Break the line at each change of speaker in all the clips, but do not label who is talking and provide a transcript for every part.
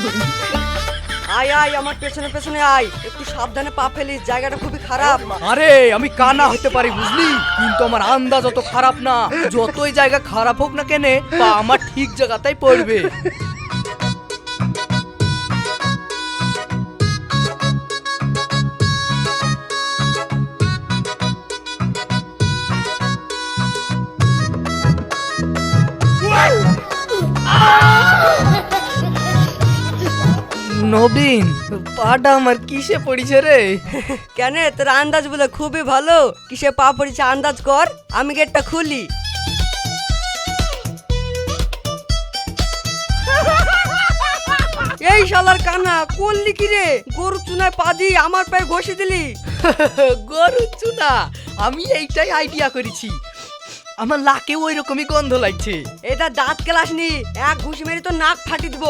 আয় আয় আমার পেছনে পেছনে আয়, একটু সাবধানে পা ফেলিস, জায়গাটা খুবই খারাপ।
আরে আমি কানা হতে পারি বুঝলি, কিন্তু আমার আন্দাজ অত খারাপ না। যতই জায়গা খারাপ হোক না কেনে, পা আমার ঠিক জায়গাতেই পড়বে। নবীন, পাটা আমার কিসে পড়িছে রে?
কেন তোর আন্দাজ বলে খুবই ভালো, কিসে পা পড়েছে আন্দাজ কর, আমি গেটটা খুলি। এই শালার কানা করলি কি রে? গরু চুনায় পা দিয়ে আমার পায়ে ঘষে দিলি।
গরু চুনা? আমি এইটাই আইডিয়া করেছি, আমার লাকে ওই রকমই গন্ধ লাগছে।
এটা দাঁত কেলাসনি, এক ঘুষি মেরে তো নাক ফাটি দিব।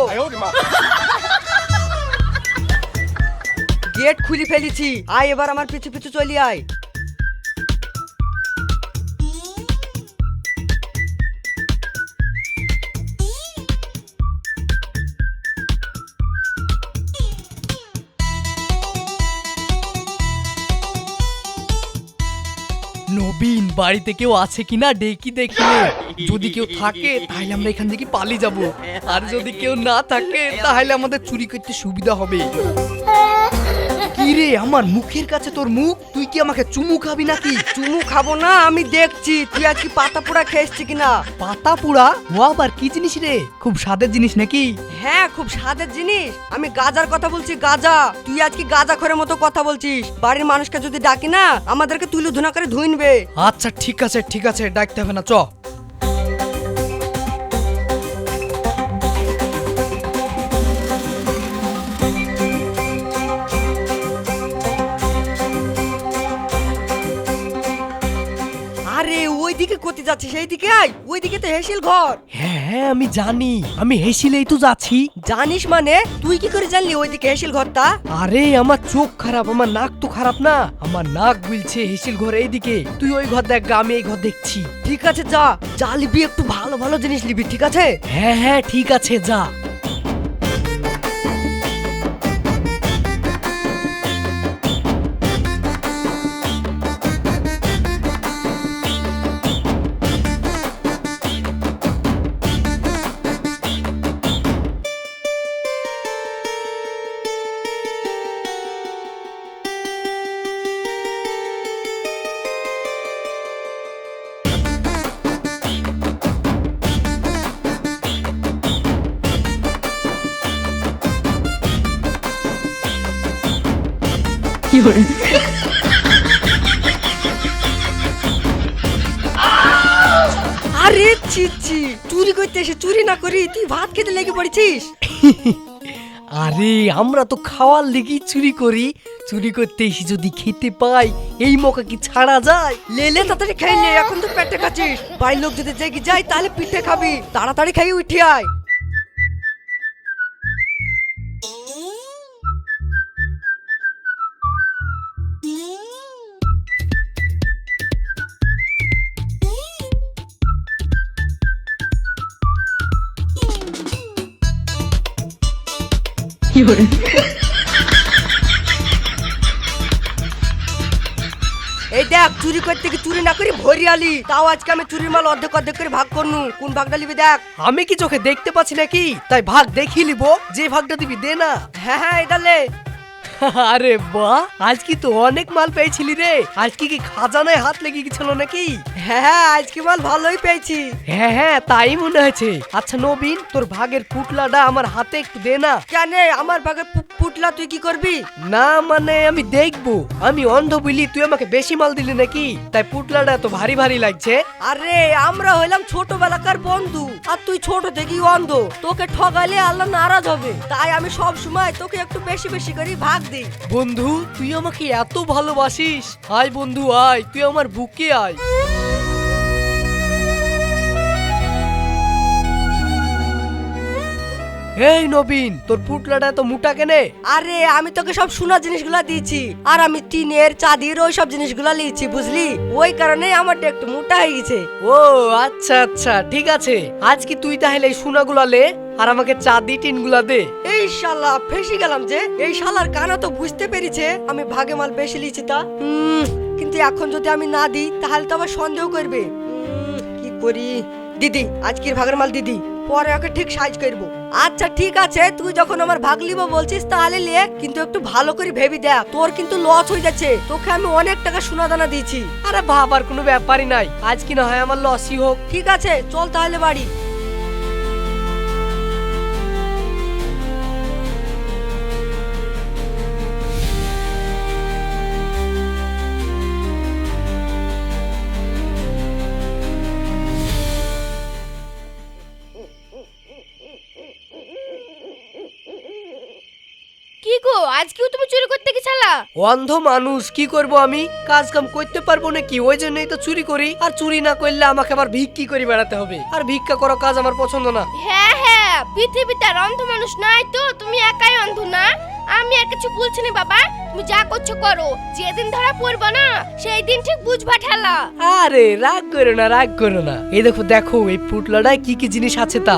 গেট খুলে ফেলেছি, আয় এবার আমার পিছু পিছু চলি আয়।
নবীন, বাড়িতে কেউ আছে কিনা ডেকি দেখি, যদি কেউ থাকে তাহলে আমরা এখান থেকে পালিয়ে যাব, আর যদি কেউ না থাকে তাহলে আমাদের চুরি করতে সুবিধা হবে। কি রে, আমার মুখের কাছে তোর মুখ, তুই কি আমাকে চুমু খাবি নাকি?
চুমু খাবো না, আমি দেখছি তুই আর কি পাতা পোড়া খেয়েছিস কিনা।
পাতা পুরা? ও আবার কি জিনিস রে? খুব স্বাদের জিনিস নাকি?
হ্যাঁ খুব স্বাদের জিনিস, আমি গাজার কথা বলছি, গাজা। তুই আজকে গাজা খোরের মতো কথা বলছিস, বাড়ির মানুষকে যদি ডাকি না আমাদেরকে তুলে ধুনা করে ধুইনবে।
আচ্ছা ঠিক আছে ঠিক আছে, ডাকতে হবে না, চ।
আরে ওইদিকে কোথায় যাচ্ছিস? সেইদিকে আয়, ওইদিকে তো হেসিল ঘর।
হ্যাঁ হ্যাঁ আমি জানি, আমি হেসিলেই তো যাচ্ছি।
জানিস মানে? তুই কি করে জানলি ওইদিকে হেসিল ঘরটা?
আরে আমার চোখ খারাপ, আমার নাক তো খারাপ না, আমার নাক বলছে হেসিল ঘর এইদিকে। তুই ওই ঘর দেখ, আমি এই ঘর দেখছি।
ঠিক আছে যা, যা লিবি একটু ভালো ভালো জিনিস লিবি, ঠিক আছে?
হ্যাঁ হ্যাঁ ঠিক আছে, যা।
আরে ছি ছি, চুরি করতে এসে চুরি না করি তুই ভাত খেতে লেগে পড়েছিস।
আরে আমরা তো খাওয়ার লেগেই চুরি করি, চুরি করতে এসে যদি খেতে পাই, এই মৌকা কি ছাড়া যায়?
লেলে তাড়াতাড়ি খেয়ে নে, এখন তো পেটে খাচ্ছিস, বাড়ির লোক যদি জেগে যায় তাহলে পিঠে খাবি, তাড়াতাড়ি খাই উঠে আয়। এই দেখ, চুরি করতে কি চুরি না করি ভরি আলি, তাও আজকে আমি চুরির মাল অর্ধেক অর্ধেক করে ভাগ করনু, কোন ভাগটা নিবি দেখ।
আমি কি চোখে দেখতে পাচ্ছি নাকি? তাই ভাগ দেখি লিবো, যে ভাগটা দিবি দে না।
হ্যাঁ হ্যাঁ এটা লে।
আরে বাহ, আজ কি তো অনেক মাল পেয়েছিলি রে, আজ কি কি খাজানায় হাত লেগে গেছিল নাকি?
হ্যাঁ হ্যাঁ আজকে মাল ভালোই পেয়েছি।
হ্যাঁ হ্যাঁ তাই মনে হয়েছে। আচ্ছা নবীন, তোর ভাগের পুটলাটা আমার হাতে একটু দে না।
কেন আমার ভাগে পুটলা তুই কি করবি?
না মানে আমি দেখবো, আমি অন্ধ বুঝলি, তুই আমাকে বেশি মাল দিলি নাকি, তাই পুটলাটা এত ভারী ভারী লাগছে।
আরে আমরা হইলাম ছোটবেলাকার বন্ধু, আর তুই ছোট থেকেই অন্ধ, তোকে ঠগালে আল্লাহ নারাজ হবে, তাই আমি সব সময় তোকে একটু বেশি বেশি করে ভাগ দিই।
বন্ধু তুই আমাকে এত ভালোবাসিস, আয় বন্ধু আয়, তুই আমার বুকে আয়। এই নবীন, তোর পুটলাটা তো মোটা কেনে?
আরে আমি তোকে সব সোনা জিনিসগুলা দিয়েছি, আর আমি টিনের চাঁদির ওই সব জিনিসগুলা নিয়েছি, বুঝলি? ওই কারণে আমারটা একটু মোটা হয়ে গেছে।
ও আচ্ছা আচ্ছা, ঠিক আছে। আজ কি তুই তাহলে এই সোনাগুলা লে আর আমাকে চাঁদি টিনগুলা দে।
এই শালা ফেসে গেলাম যে। এই শালার কানা তো বুঝতে পেরেছে আমি ভাগে মাল বেশি লিছি তা। কিন্তু এখন যদি আমি না দিই তাহলে তো আবার সন্দেহ করবে। কি করি? দিদি আজকের ভাগের মাল দিদি, পরে ওকে ঠিক সাইজ করবো। আচ্ছা ঠিক আছে, তুই যখন আমার ভাগ লিব বলছিস তাহলে লে, কিন্তু একটু ভালো করে ভেবি দেখ, তোর কিন্তু লস হয়ে যাচ্ছে। তোকে আমি অনেক টাকা সোনা দানা দিয়েছি।
আরে ভাবার কোনো ব্যাপারই নাই, আজ কি না হয় আমার লসই হোক।
ঠিক আছে চল তাহলে বাড়ি।
কি গো, আজকেও তুমি চুরি করতে গেছালা?
অন্ধ মানুষ, কি করব আমি? কাজ কাম করতে পারবো নাকি? ওই জন্যই তো চুরি করি। আর চুরি না করলে আমাকে আবার ভিক্ষি করে বেড়াতে হবে, আর ভিক্ষা করা কাজ আমার পছন্দ না।
হ্যাঁ হ্যাঁ, পৃথিবীতে আর অন্ধ মানুষ নাই তো, তুমি একাই অন্ধ না। আমি আর কিছু বলছি না বাবা, তুমি যা করছো করো। যেদিন ধরা পড়বো না সেই দিন ঠিক বুঝবা ঠেলা।
আরে রাগ করো না, রাগ করো না। এই দেখো দেখো এই পুটলাটায় কি কি জিনিস আছে তা।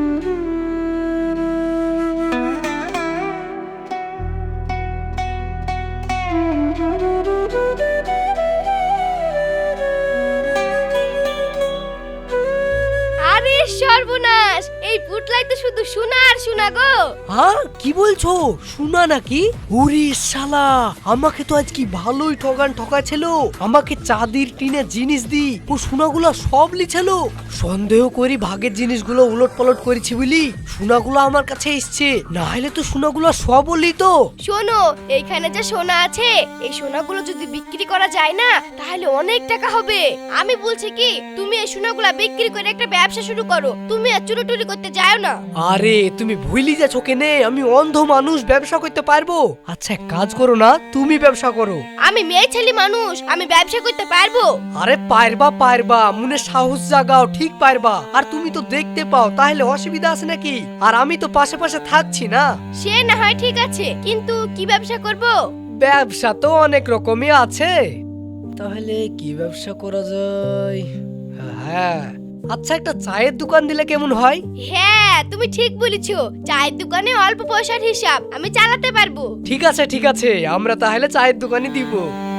আরে সর্বনাশ, এই পুটলাই তো শুধু সোনা আর সোনা গো।
হ্যাঁ কি বলছো? সোনা নাকি? ওরে শালা, আমাকে তো আজ কি ভালোই ঠকাছিল। আমাকে চাঁদির টিনে জিনিস দি ও সোনাগুলো সব লিছিল। সন্দেহ করি ভাগের জিনিসগুলো উলট পালট করেছি বলি সোনাগুলো আমার কাছে এসছে, না হলে তো সোনাগুলো সব লিত।
শোনো, এইখানে যে সোনা আছে, এই সোনাগুলো যদি বিক্রি করা যায় না তাহলে অনেক টাকা হবে। আমি বলছি কি, তুমি এই সোনাগুলো বিক্রি করে একটা ব্যবসা শুরু করো, তুমি আর চুরি টুরি করতে যাও না।
আরে তুমি ভুলি যাচ্ছ কেনে? আমি অন্ধ মানুষ, ব্যবসা করতে পারবো? আচ্ছা এক কাজ করো না, তুমি ব্যবসা করো।
আমি মেয়ে ছেলে মানুষ, আমি ব্যবসা করতে পারবো?
আরে পারবা পারবা, মনে সাহস জাগাও, ঠিক পারবা। আর তুমি তো দেখতে পাও, তাহলে অসুবিধা আছে নাকি? আর আমি তো পাশে পাশে থাকছি না।
সে না হয় ঠিক আছে, কিন্তু কি ব্যবসা করব?
ব্যবসা তো অনেক রকমই আছে, তাহলে কি ব্যবসা করা যায়? হ্যাঁ আচ্ছা, একটা চায়ের দোকান দিলে কেমন হয়?
হ্যাঁ তুমি ঠিক বলেছো, চায়ের দোকানে অল্প পয়সার হিসাব, আমি চালাতে পারবো।
ঠিক আছে ঠিক আছে, আমরা তাহলে চায়ের দোকানই দিব।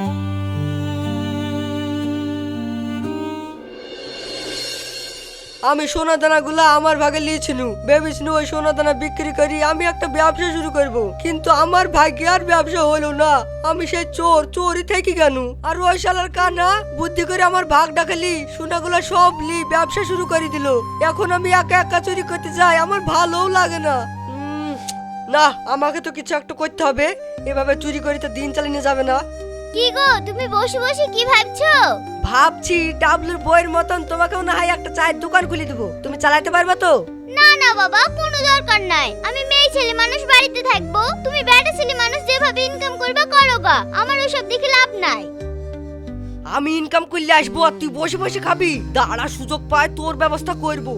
আমি সোনা দানা গুলা আমার ভাগে লিয়েছিনু, ভেবেছিনু ওই সোনা দানা বিক্রি করি আমি একটা ব্যবসা শুরু করব। কিন্তু আমার ভাগ্যে আর ব্যবসা হলো না। আমি সেই চোরই থেকে গেল। আর ওই শালার কানা বুদ্ধি করে আমার ভাগ ডাকালি সোনাগুলা সব লি ব্যবসা শুরু করে দিল। এখন আমি একা একা চুরি করতে যাই, আমার ভালোও লাগে না। না, আমাকে তো কিছু একটা করতে হবে, এভাবে চুরি করে তো দিন চালিয়ে যাবে না।
কি গো, তুমি বসে বসে কি ভাবছো?
ভাবছি ডাবলুর বইয়ের মতন তোমাকেও না হয় একটা চায়ের দোকান খুলে দেবো, তুমি চালাতে পারবে তো?
না না বাবা, কোনো দরকার নাই। আমি মেয়ে ছেলে মানুষ, বাড়িতে থাকবো। তুমি বেটা ছেলে মানুষ, যেভাবে ইনকাম করবে করো গা, আমার ওসব দেখে লাভ নাই।
আমি ইনকাম করলে আসবো আর তুই বসে বসে খাবি? দাঁড়া, সুযোগ পায় তোর ব্যবস্থা করবো।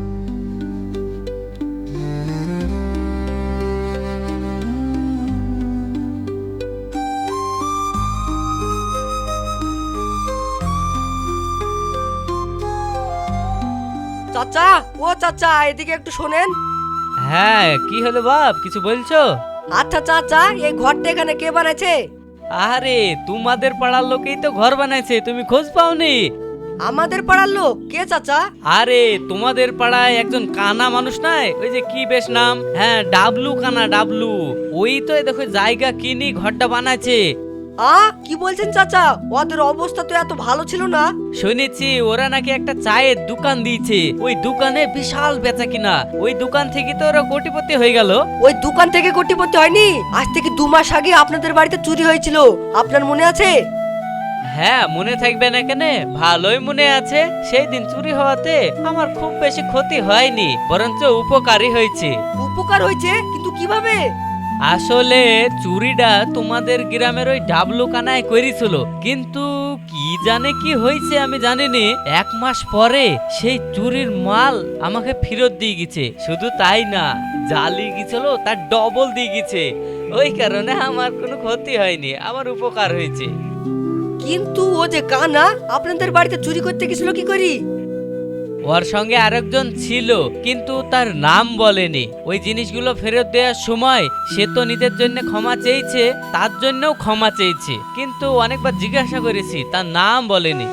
চাচা, ও চাচা এদিকে একটু শোনেন।
হ্যাঁ কি হলো বাপ, কিছু বলছো?
আচ্ছা চাচা, এই ঘরটা এখানে কে বানাইছে?
আরে তোমাদের পাড়ার লোকেই তো ঘর বানাইছে, তুমি খোঁজ পাওনি?
আমাদের পাড়ার লোক? কে চাচা?
আরে তোমাদের পাড়ায় একজন কানা মানুষ নাই, ওই যে কি বেশ নাম, হ্যাঁ ডাবলু কানা, ডাবলু। ওই তো দেখো জায়গা কিনি ঘরটা বানাইছে।
কি বলছেন চাচা? ওদের অবস্থা তো এত ভালো ছিল না।
শুনেছি ওরা নাকি একটা চায়ের দোকান দিয়েছে, ওই দোকানে বিশাল বেচা কিনা, ওই দোকান থেকে তো ওরা কোটিপতি হয়ে গেল।
ওই দোকান থেকে কোটিপতি হয়নি? আজ থেকে 2 মাস আগে আপনাদের বাড়িতে চুরি হয়েছিল, আপনার মনে আছে?
হ্যাঁ মনে থাকবে না কেন, ভালোই মনে আছে। সেই দিন চুরি হওয়াতে আমার খুব বেশি ক্ষতি হয়নি, বরঞ্চ উপকারী হয়েছে।
উপকার হয়েছে? কিন্তু কিভাবে?
আসলে চুরিটা তোমাদের গ্রামের ওই ডাবলু কানায় করেছিল, কিন্তু কি জানে কি হয়েছে আমি জানিনি। 1 মাস পরে সেই চুরির মাল আমাকে ফেরত দিয়ে গেছে। শুধু তাই না, জালি গিয়েছিল তার ডবল দিয়ে গেছে, ওই কারণে আমার কোনো ক্ষতি হয়নি, আমার উপকার হয়েছে।
কিন্তু ও যে কানা আপনাদের বাড়িতে চুরি করতে গেছিল কি করি?
ওর সঙ্গে আরেকজন ছিল, কিন্তু তার নাম বলেনি। ওই জিনিসগুলো ফেরত দেওয়ার সময় সে তো নিজের জন্য ক্ষমা চেয়েছে, তার জন্যও ক্ষমা চেয়েছে, কিন্তু অনেকবার জিজ্ঞাসা করেছি, তার নাম বলেনি।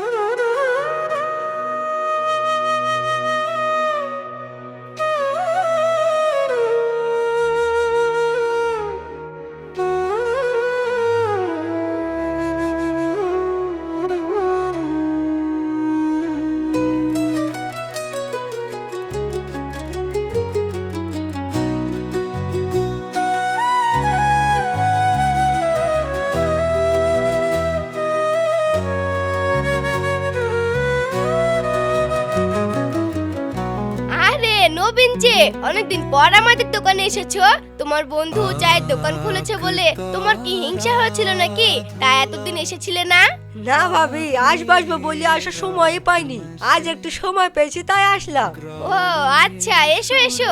আরে নবীন যে, অনেকদিন পর আমাদের দোকানে এসেছো। তোমার বন্ধু চায়ের দোকান খুলেছে বলে তোমার কি হিংসা হয়েছিল নাকি? তাই এতদিন এসেছিলে না?
না ভাবি, আসবো বলে আসার সময়ই পাইনি, আজ একটু সময় পেয়েছি তাই আসলাম।
ও আচ্ছা, এসো এসো।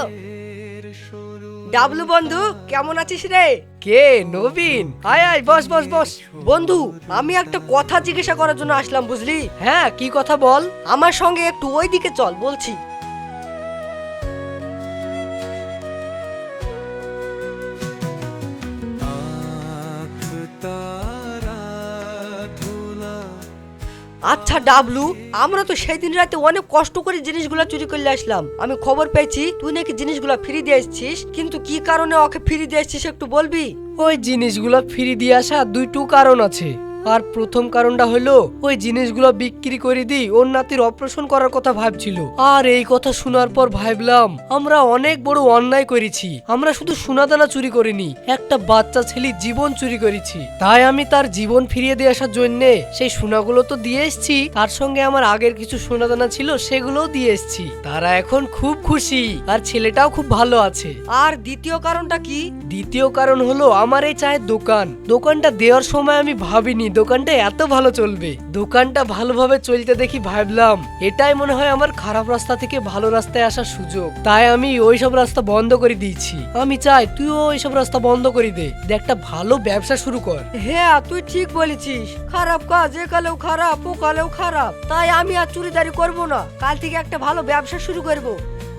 ডাবলু বন্ধু, কেমন আছিস রে?
কে? নবীন? আয় আয়, বস বস বস।
বন্ধু, আমি একটা কথা জিজ্ঞাসা করার জন্য আসলাম, বুঝলি?
হ্যাঁ, কি কথা বল।
আমার সঙ্গে একটু ওইদিকে চল, বলছি। আচ্ছা ডাবলু, আমরা তো সেই দিন রাতে অনেক কষ্ট করে জিনিসগুলো চুরি করলে আসলাম। আমি খবর পেয়েছি তুই নাকি জিনিসগুলো ফ্রি দিয়ে এসেছিস, কিন্তু কি কারণে ওকে ফ্রি দিয়ে এসেছিস একটু বলবি?
ওই জিনিসগুলো ফিরে দিয়ে আসা দুইটো কারণ আছে। আর প্রথম কারণটা হলো ওই জিনিসগুলো বিক্রি করে দিই ওর নাতির অপারেশন করার কথা ভাবছিল। আর এই কথা শোনার পর ভাবলাম আমরা অনেক বড় অন্যায় করেছি। আমরা শুধু সোনাদানা চুরি করিনি, একটা বাচ্চা ছেলের জীবন চুরি করেছি। তাই আমি তার জীবন ফিরিয়ে দিয়ে আসার জন্য সেই সোনাগুলো তো দিয়ে এসেছি, তার সঙ্গে আমার আগের কিছু সোনাদানা ছিল সেগুলোও দিয়ে এসেছি। তারা এখন খুব খুশি, আর ছেলেটাও খুব ভালো আছে।
আর দ্বিতীয় কারণটা কি?
দ্বিতীয় কারণ হলো আমার এই চায়ের দোকানটা দেওয়ার সময় আমি ভাবিনি দোকানটা এত ভালো চলবে। দোকানটা ভালোভাবে চলতে দেখি ভাবলাম এটাই মনে হয় আমার খারাপ রাস্তা থেকে ভালো রাস্তায় আসার সুযোগ। তাই আমি ওইসব রাস্তা বন্ধ করে দিয়েছি। আমি চাই তুইও ওইসব রাস্তা বন্ধ করে দে, একটা ভালো ব্যবসা শুরু কর।
হ্যাঁ, তুই ঠিক বলেছিস। খারাপ কাজ একালেও খারাপ, ওকালেও খারাপ। তাই আমি আর চুরিদারি করব না, কাল থেকে একটা ভালো ব্যবসা শুরু করব।